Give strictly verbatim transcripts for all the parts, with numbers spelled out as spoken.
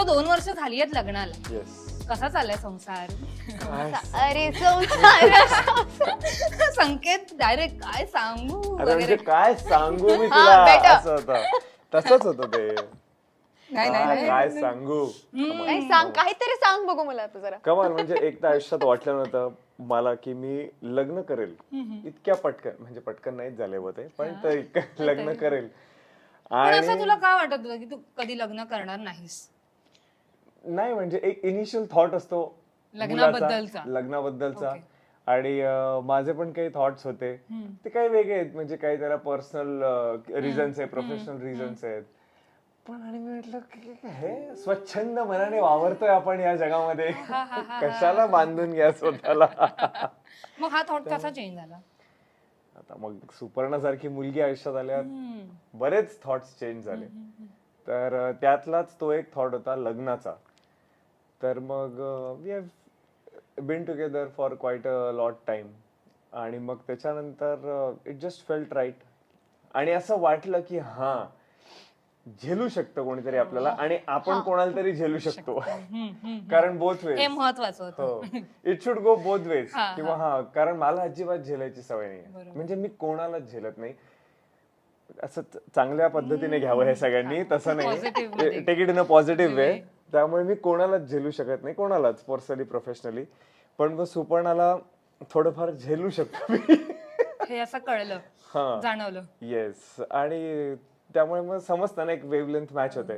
दोन वर्ष झाली आहेत लग्नाला. येस. कसा चाललाय संसार? अरे संसार संकेत डायरेक्ट काय सांगू अरे म्हणजे वगैरे. काय सांगू मी हा, तुला बेटा. असं होतं. तसंच होतं ते. नाही नाही हा, नाही. काय सांगू नाही सांग काहीतरी सांग बघू मला आता जरा. कमाल. म्हणजे एकदा आयुष्यात वाटलं नव्हतं मला की मी लग्न करेल इतक्या पटकन. म्हणजे पटकन नाहीच झाले होते पण तर इतकं लग्न करेल. पण असं आणि तुला का वाटत होतं की तू कधी लग्न करणार नाहीस? नाही म्हणजे एक इनिशियल थॉट असतो लग्नाबद्दलचा. मुलाचा, लग्नाबद्दलचा. Okay. आणि अं, माझे पण काही थॉट्स होते ते काही वेगळे आहेत. म्हणजे काही त्याला पर्सनल रिझन्स आहेत, प्रोफेशनल रिझन्स आहेत. पण आणि मी म्हटलं की हे स्वच्छंद मनाने वावरतोय आपण या जगामध्ये, कशाला बांधून घ्या स्वतःला. मग हा थॉट कसा चेंज झाला? आता मग सुपर्णासारखी मुलगी आयुष्यात आल्यावर बरेच थॉट्स चेंज झाले. तर अं, त्यातलाच तो एक थॉट होता लग्नाचा. तर मग we have been together for quite a lot time. आणि मग त्याच्यानंतर इट जस्ट फेल्ट राईट. आणि असं वाटलं की हा झेलू शकतं कोणीतरी आपल्याला आणि आपण कोणाला तरी झेलू शकतो. कारण बोथ हे वेज. महत्वाचं होतं. हो, it should go both ways. हा, किंवा हा कारण मला अजिबात झेलायची सवय नाही. म्हणजे मी कोणालाच झेलत नाही. असं च- चांगल्या पद्धतीने घ्यावं हे सगळ्यांनी, तसं Positive नाही. मध्ये. Take it in a positive way. त्यामुळे मी कोणालाच झेलू शकत नाही, कोणालाच पर्सनली प्रोफेशनली. पण मग सुपर्णाला थोडंफार झेलू शकतो मी. हे असं कळलं, हा, जाणवलं. येस. आणि त्यामुळे मग समजतं ना एक वेवलेंथ मॅच होते.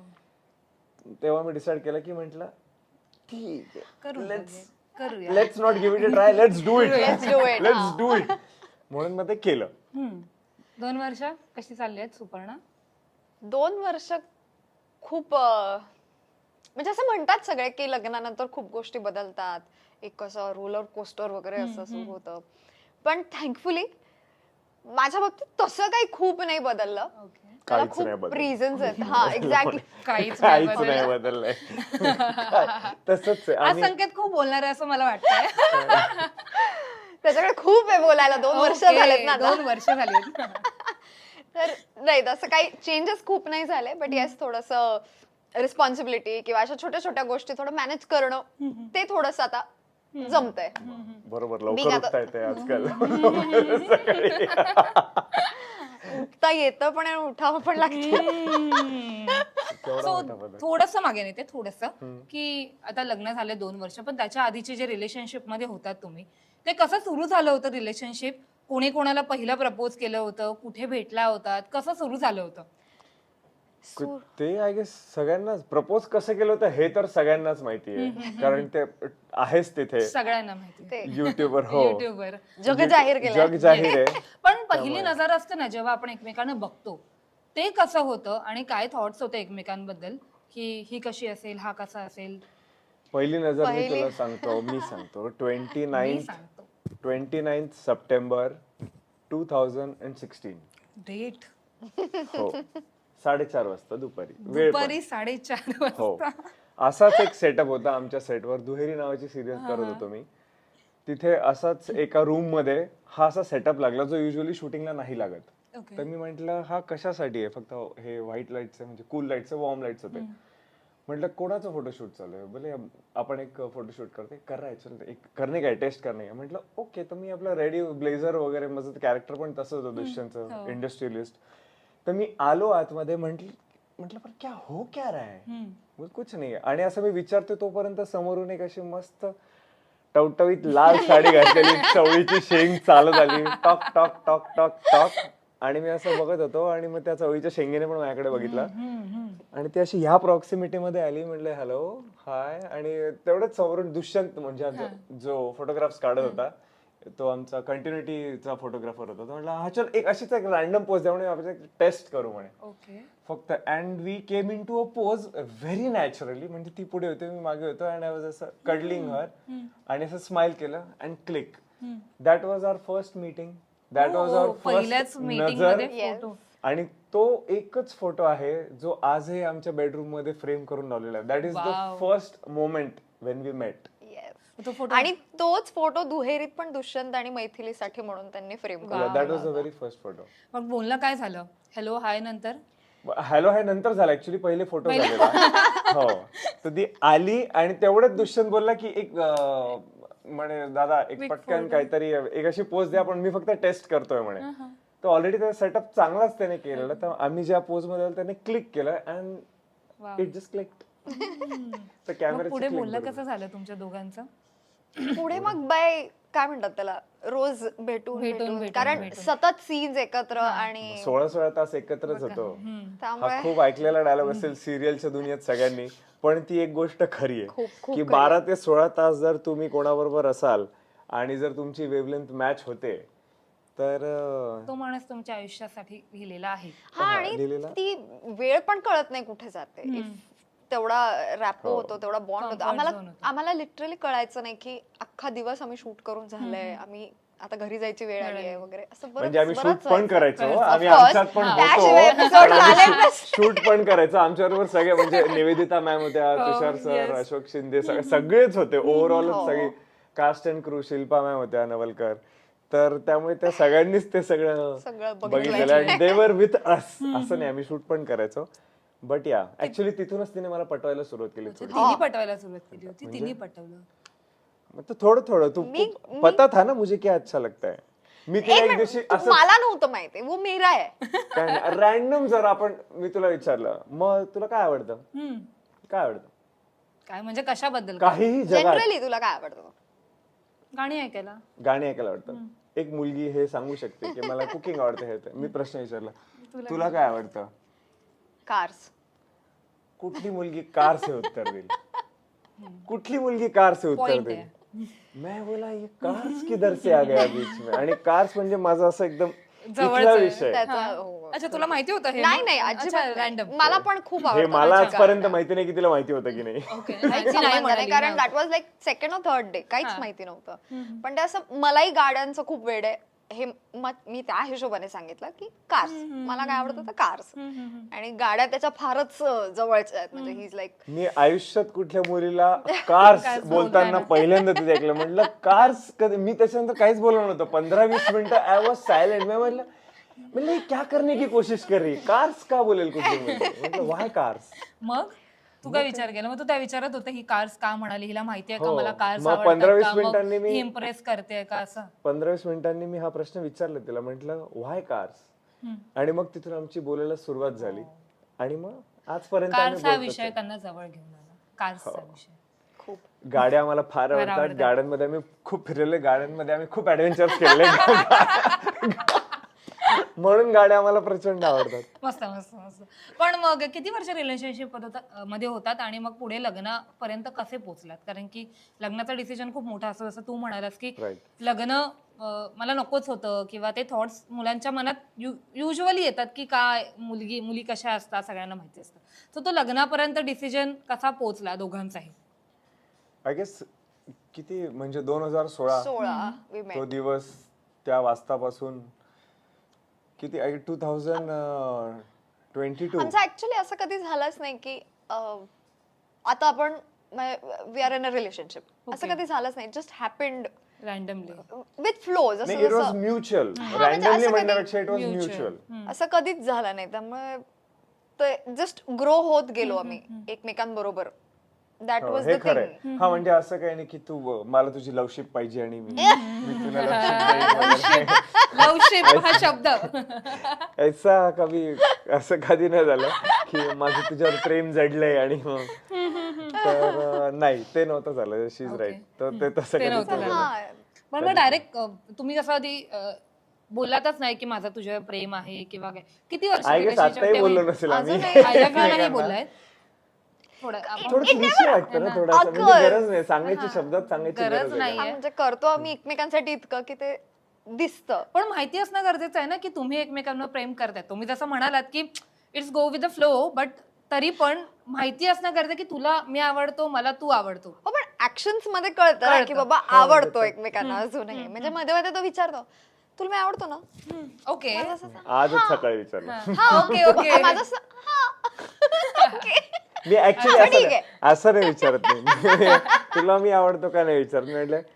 तेव्हा मी डिसाइड केलं की म्हटलं ठीक करू आहे, लेट्स करूया. Let's not give it a try, let's do it, Let's do it, let's हा. Do it. म्हणून मग ते केलं. हम्म. दोन वर्ष कशी चालली आहेत सुपर्णा? दोन वर्ष खूप अं, म्हणजे असं म्हणतात सगळे की लग्नानंतर खूप गोष्टी बदलतात. एक कसं रोलर कोस्टर वगैरे असं सुरू होतं. पण थँकफुली माझ्या बाबतीत तसं काही खूप नाही बदललं. ओके. त्याला काहीच नाही खूप बदललं. रिझन्स आहेत. हा एक्झॅक्टली. काहीच नाही काहीच नाही बदललं. बदललंय. तसंच आहे. आज आणि संकेत खूप बोलणार आहे असं मला वाटतंय. त्याच्याकडे खूप आहे बोलायला. दोन वर्ष ओके, झालेत ना आता. दोन वर्ष झाली. तर नाही तसं काही चेंजेस खूप नाही झाले. बट येस थोडंसं रिस्पॉन्सिबिलिटी किंवा अशा छोट्या छोट्या गोष्टी थोडं मॅनेज करणं ते थोडंसं आता जमतंय. बरोबर, मी लवकर आता- उठता येते आजकाल. उठता येतं पण आणि उठावं पण लागतं. केवढा मोठा बदल. थोडस मागे नेते थोडस की आता लग्न झाले दोन वर्ष पण त्याच्या आधीचे जे रिलेशनशिप मध्ये होतात तुम्ही, ते कसं सुरू झालं होतं रिलेशनशिप? कोणी कोणाला पहिलं प्रपोज केलं होतं? कुठे भेटला होतात? कसं सुरू झालं होतं? ते आय गेस सगळ्यांनाच प्रपोज कसं केलं होतं हे तर सगळ्यांनाच माहिती आहे. कारण ते आहेच तिथे सगळ्यांना माहिती ते युट्यूबवर. हो, युट्यूबवर. जग जाहीर केलं. जग जाहीर आहे. पण पहिली नजर असते ना जेव्हा आपण एकमेकांना बघतो, ते कसं होतं आणि काय थॉट्स होते एकमेकांबद्दल की ही कशी असेल, हा कसा असेल? पहिली नजर मी पहिली- तुला सांगतो, मी सांगतो ट्वेंटी मी नाईन्थ सांगतो twenty ninth September two thousand and sixteen. Date हो, साडेचार वाजता दुपारी. वेळ पण. दुपारी साडेचार हो, वाजता. असाच एक सेटअप होता आमच्या सेटवर. दुहेरी नावाची सिरियल करत होतो मी. तिथे असाच एका रूम मध्ये हा असा सेटअप लागला जो युजली शूटिंगला नाही लागत. ओके. तर मी म्हंटल हा कशासाठी आहे? फक्त हे व्हाईट लाईटचं म्हणजे कूल लाईटचं, वॉर्म लाईटचं होते. म्हटलं कोणाचं फोटोशूट चालू आहे? बोले आपण एक फोटोशूट करते. करायचं एक करणे काय टेस्ट करणे. म्हटलं ओके. तर मी आपलं रेडी ब्लेझर वगैरे, माझं कॅरेक्टर पण तसं होतं दुष्यंतचं, इंडस्ट्रियलिस्ट. तर मी आलो आतमध्ये. म्हंटल म्हटलं पण क्या हो क्या रहा है? बोल कुछ नाही. आणि असं मी विचारतो तोपर्यंत समोरून एक अशी मस्त टवटवीत लाल साडी घातलेली चवळीची शेंग चालत आली. Talk talk talk talk talk. आणि मी असं बघत होतो आणि मग त्या चवळीच्या शेंगेने पण माझ्याकडे बघितला आणि ती अशी ह्या प्रॉक्सिमिटी मध्ये आली. म्हटलं हॅलो हाय. आणि तेवढंच समोरून दुष्यंत म्हणजे आमचा जो फोटोग्राफ्स काढत होता तो आमचा कंटिन्युटीचा फोटोग्राफर होता. तो म्हटला हा चल एक अशीच एक रॅन्डम पोज द्या म्हणे, आपण टेस्ट करू म्हणे. ओके. फक्त and we came in to a pose very naturally. म्हणजे ती पुढे होती, मी मागे होतो. अँड आय वॉज असं कडलिंग हर आणि असं स्माइल केलं and click. That was our first meeting. That was our पहिल्याच फर्स्ट मीटिंग नजर. मध्ये फोटो. आणि तो एकच फोटो आहे जो आजही आमच्या बेडरूम मध्ये फ्रेम करून लावलेला आहे. That is the first moment when we met. तो फोटो आणि तोच फोटो दुहेरीत पण दुष्यंत आणि मैथिलीसाठी म्हणून त्यांनी फ्रेम केला. That was the very first photo. मग बोलणं काय झालं? हॅलो हाय नंतर? हॅलो हाय नंतर झाला ऍक्च्युली, पहिले फोटो झालेला. हो, तर ती आली आणि तेवढंच दुष्यंत बोलला की एक अं, म्हणे दादा एक पटकन काहीतरी एक अशी पोज द्या, पण मी फक्त टेस्ट करतोय म्हणे. तर ऑलरेडी त्याचा सेटअप चांगलाच त्याने केलेला, तर आम्ही ज्या पोज मध्ये आलो त्याने क्लिक केलं अँड इट जस्ट क्लिक. तर मग कॅमेरा पुढे बोललं कसं झालं तुमच्या दोघांचं? पुढे मग बाय काय म्हणतात त्याला, रोज भेटून भेटून- भेटून भेटून- कारण भेटून. सतत सीन्स एकत्र आणि सोळा सोळा तास एकत्रच होतो. त्यामुळे हा खूप ऐकलेला डायलॉग असेल सिरियलच्या दुनियेत सगळ्यांनी, पण ती एक गोष्ट खरी खूप- आहे खूप की खरी बारा ते सोळा तास जर तुम्ही कोणाबरोबर असाल आणि जर तुमची वेवलेंथ मॅच होते तर अं, तो माणूस तुमच्या आयुष्यासाठी लिहिलेला आहे. हा हा, आणि लिहिलेला. ती वेळ पण कळत नाही कुठे जाते. If तेवढा रॅपो हो. होतो, तेवढा बॉन्ड होतो. Comfort आम्हाला zone होतो. आम्हाला लिटरली कळायचं नाही की अख्खा दिवस आम्ही शूट करून झालंय, आम्ही आता घरी जायची वेळ आली आहे वगैरे असं बरंच- म्हणजे आम्ही शूट बरंच पण व्हायचं. करायचो, Of आम्ही course. आमच्यात पण त्याशिवाय episode झाले होतो, शूट पण करायचो. आमच्याबरोबर सगळे म्हणजे निवेदिता मॅम होत्या, तुषार सर, अशोक शिंदे, सगळे- सगळेच होते. ओव्हरऑल हो. सगळे cast and crew, Shilpa ma'am होत्या, नवलकर. तर त्यामुळे त्या सगळ्यांनीच ते सगळं सगळं बघितलेलं आणि दे वर विथ अस. असं नाही, आम्ही शूट पण करायचो. बट या ऍक्च्युली तिथूनच तिने मला पटवायला सुरुवात केली थोडी. तिने पटवायला सुरुवात केली होती, म्हणजे? तिने पटवलं. मतलब थोडं थोडं तू मी- तू- पता था ना मुझे क्या अच्छा लगता है. मी तिला एक दिवशी तू- असं मला नव्हतं माहिती, वो मेरा आहे. काय नाही रॅन्डम जर आपण मी तुला विचारलं मग तुला काय आवडतं, हम्म. काय आवडतं, काय म्हणजे कशाबद्दल? काहीही जगात जनरली तुला काय आवडतं? गाणी ऐकायला. गाणी ऐकायला आवडतं. एक मुलगी हे सांगू शकते की मला कुकिंग आवडतं, हे ते. मी प्रश्न विचारला तुला काय आवडतं, कार्स. कुठली मुलगी कार से उत्तर देईल, कुठली मुलगी कार से उत्तर Point देईल. आहे. मैं बोला ये कार्स किधर से आ गया बीच में. आणि कार्स म्हणजे माझा असं एकदम जवळचा इथला आहे. विषय. त्याचा हो. अच्छा, तुला माहिती होतं हे? नाही नाही अजिबात रॅन्डम. नाही. मला पण खूप हे आवडतं. मला त्याची आजपर्यंत गाणी. माहिती नाही की तिला माहिती होतं की नाही. ओके. काहीच नाही संबंध म्हणाली नाही, कारण ना. That was like second or third day काहीच माहिती नव्हतं. पण ते असं मलाही गाड्यांचं खूप वेड आहे हे म- मी त्या हिशोबाने सांगितलं की कार्स मला काय आवडतं तर कार्स. आणि गाड्या त्याच्या फारच अं, जवळच्या आहेत. म्हणजे ही इज लाईक मी आयुष्यात कुठल्या मुलीला कार्स बोलताना पहिल्यांदा तिथे ऐकलं. म्हटलं कार्स कधी, मी त्याच्यानंतर काहीच बोललो नव्हतं. पंधरा वीस मिनिटं आय वॉज सायलेंट. मी म्हटलं म्हणलं हे क्या करने की कोशिश कर रही, कार्स का बोलेल कुठली मुलगी. म्हटलं व्हाय कार्स. मग तू काय विचार केला? मग तू त्या विचारत होता ही कार्स का म्हणाली, हिला माहितीये का हो. मला कार्स मग पंधरा वीस मिनिटांनी मी- इम्प्रेस करते का असं? पंधरा वीस मिनिटांनी मी हा प्रश्न विचारला तिला. म्हटलं व्हाय कार्स. आणि मग तिथून आमची बोलायला सुरुवात झाली आणि मग आजपर्यंत आम्ही कार्स हा बोलतोच विषय आहे. त्यांना जवळ घेऊन आला. कार्सचा विषय. खूप गाड्या आम्हाला फार फार आवडतात. आवडतात. गाड्यांमध्ये आम्ही खूप फिरलेले, गाड्यांमध्ये आम्ही खूप ऍडव्हेंचर्स केले. म्हणून गाड्या आम्हाला प्रचंड आवडतात. मस्त मस्त मस्त. पण मग किती वर्ष रिलेशनशिप मध्ये होतात आणि मग पुढे लग्नापर्यंत कसे पोहोचलात? कारण की लग्नाचा डिसिजन खूप मोठा असतो, जसं तू म्हणालास की Right. लग्न अं, मला नकोच होतं, किंवा ते थॉट्स मुलांच्या मनात युजली येतात की काय मुलगी मुली कशा असतात सगळ्यांना माहिती असतं. तर तो लग्नापर्यंत डिसिजन कसा पोहोचला दोघांचाही? आय गेस किती म्हणजे दोन हजार सोळा सोळा we तो met. दिवस, त्या वाजतापासून किती टू थाउजंड ट्वेंटी टू आमचं ऍक्च्युली असं कधी झालंच नाही की अं, आता आपण we are in a relationship असं Okay. कधी झालंच नाही. Just happened randomly. With flow. नाही, जसं इट वॉज जसं म्युच्युअल. म्हणजे रॅन्डमली असं कधी- म्हणण्यापेक्षा इट वॉज म्युच्युअल. असं कधीच झालं नाही. त्यामुळे ते जस्ट ग्रो होत गेलो आम्ही एकमेकांबरोबर. दॅट वॉज हे द खरंय. थिंग. हा म्हणजे असं काही नाही की तू अं, मला तुझी लवशिप पाहिजे आणि मी मी तुला love ship देईन वगैरे. लवशिप हा शब्द. ऐसा कधी असं कधी नाही झालं की माझं तुझ्यावर प्रेम जडलंय आणि मग तर अं, नाही ते नव्हतं झालं. She is Okay. राईट. तर ते तसं ते कधीच नव्हतं नाही झालं. झालं. हा पण मग डायरेक्ट तुम्ही कसं आधी अं, बोललातच नाही की माझं तुझ्यावर प्रेम आहे किंवा काय? किती वर्ष आय गेस आताही बोललो नसेल आम्ही. नाही बोललाय थोडं आपण- थोडं क्लिशे वाटतं ना थोडंसं. म्हणजे अगं. गरज नाही सांगायची, शब्दात सांगायची गरज गरज नाहीये. आहे. हा, म्हणजे करतो आम्ही एकमेकांसाठी इतकं की ते दिसतं. पण माहिती असणं गरजेचं आहे ना की तुम्ही एकमेकांवर प्रेम करताय. तुम्ही जसं म्हणालात की it's go with the flow, but तरी पण माहिती असणं गरजेचं की तुला मी आवडतो, मला तू आवडतो. हो पण ऍक्शन्स मध्ये कळतं ना कळतं. की बाबा आवडतो एकमेकांना अजूनही. म्हणजे मध्ये मध्ये तो विचारतो तुला मी आवडतो ना. ओके. माझं असं- आजच सकाळी विचारलं. हा ओके ओके. माझं असं- हा. Okay. मी ऍक्च्युली अच्छा, असं ठीक नाही- असं नाही विचारत नाही. तुला मी आवडतो का नाही विचारत. मी म्हटलं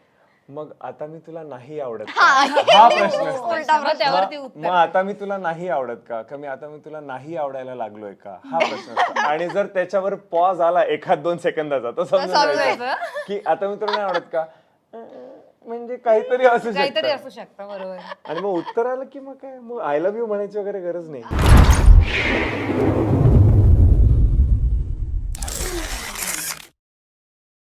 मग आता मी तुला नाही आवडत का? हा प्रश्न असतो. उलटा मग त्यावरती मग उत्तर मग आता मी तुला नाही आवडत का का मी आता मी तुला नाही आवडायला लागलोय का हा प्रश्न असतो. आणि जर त्याच्यावर पॉज आला एखाद दोन सेकंदाचा तर समजून समजायचं. जायचं की आता मी तुला नाही आवडत का अं, म्हणजे काहीतरी असू काहीतरी शकतं. असू शकतं बरोबर आणि मग उत्तर आलं की मग काय मग आय लव्ह यू म्हणायची वगैरे गरज नाही.